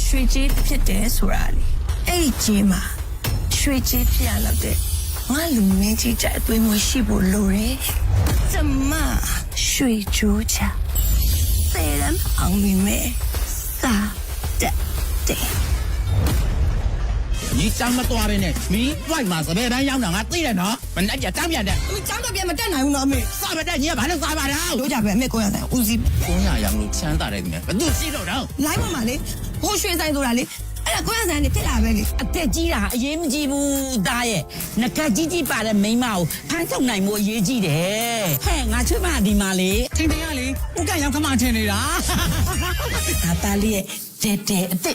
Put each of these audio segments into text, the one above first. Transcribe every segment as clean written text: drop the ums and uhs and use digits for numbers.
ရွှေကြီးဖြစ်တယ်ဆိုတာလေအဲ့ဒီကြီးမှာရွှေကြီးဖြစ်ရတော့တဲ့ငါလူမင်းကြီးကြအသွေးမရှိဖို့လိုတယ်ကျမရွှေကြိုးချသေရန်အောင်မိမဲစာတဲ့你长得多呗呢？你外嘛是别人养的，我对了喏，本来就长边的。 你长得变么တက်နိုင်ဘူးနော်မေ啥不得你也把那啥把了？ တို့ကြပဲအမေကိုရတယ်ဦးစီး公鸭养路强大的面，都洗手上。 လိုင်းပေါ်မှာလေဟိုရွှေဆိုင်ဆိုတာလေအဲ့ဒါကိုရဆိုင်နေဖြစ်လာပဲလေအသက်ကြီးတာအရေးမကြီးဘူးသားရဲ့ငကကြီးကြီးပါတဲ့မိန်းမကိုဖမ်းထုတ်နိုင်မှုအရေးကြီးတယ်ဟဲ့ငါချွတ်မဒီမှာလေ听听呀哩，我敢养干嘛听你啦？ ငါသားလေးရဲ့တဲတဲအသက်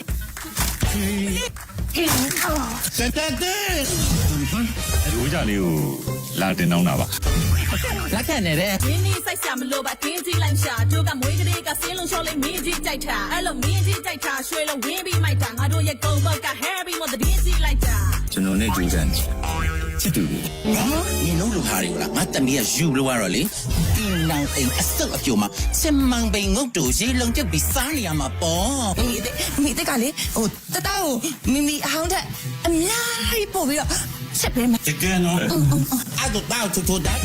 对。 ရိုးကြလေးကိုလာတင်တော့တာပါ来看你的。 ရင်းနှီးစိုက်ဆရာမလို့ပါတင်းကြီးလိုက်ရှာတို့ကမွေးကလေးကစင်းလုံးလျှော်လေးမင်းကြီးကြိုက်တာအဲ့လိုမင်းကြီးကြိုက်တာရွှေလုံးဝင်းပြီးမိုက်တာငါတို့ရဲ့ကုန်းဘောက်က Harry မို့တင်းကြီးလိုက်တာကျွန်တော်နဲ့ကြိုးစားနေချစ်သူလေး你弄路哈哩啦？我等你啊，有路啊哩。你能哎，手啊叫嘛？千万别我做些弄就比啥哩啊嘛啵。 မိတကလေဟိုတတောက်မိမိအဟောင်းတဲ့အများကြီးပို့ပြီးတော့ချက်ပေးမယ်这个喏，啊都到处处的。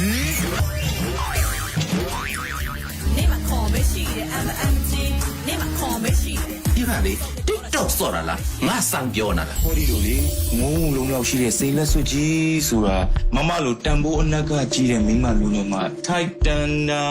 နေမှာခေါ်မရှိတယ် MMG နေမှာခေါ်မရှိတယ်你看哩，你都说了啦，我上标那了。 ဟောဒီလိုလေငုံလုံးရောက်ရှိတဲ့စိတ်လက်စွပ်ကြီးဆိုတာမမလိုတန်ဖိုးအနက်ကကြီးတဲ့မိန်းမလူမျိုးမှာထိုက်တန်တာ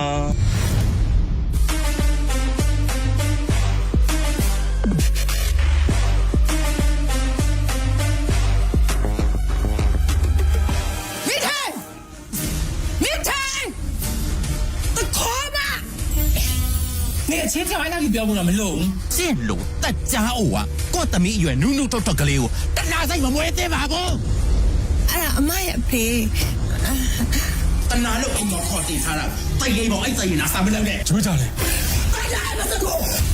你个钱条还哪里标不那么弄？这路大家伙啊，我等你远努努tot tot个了，但哪在我没得嘛不？ အဲ့ဒါအမရဲ့ဖေ但哪路我靠地他了，再给我一再拿三不了的。 ချိုးကြလေ哎呀，不是我。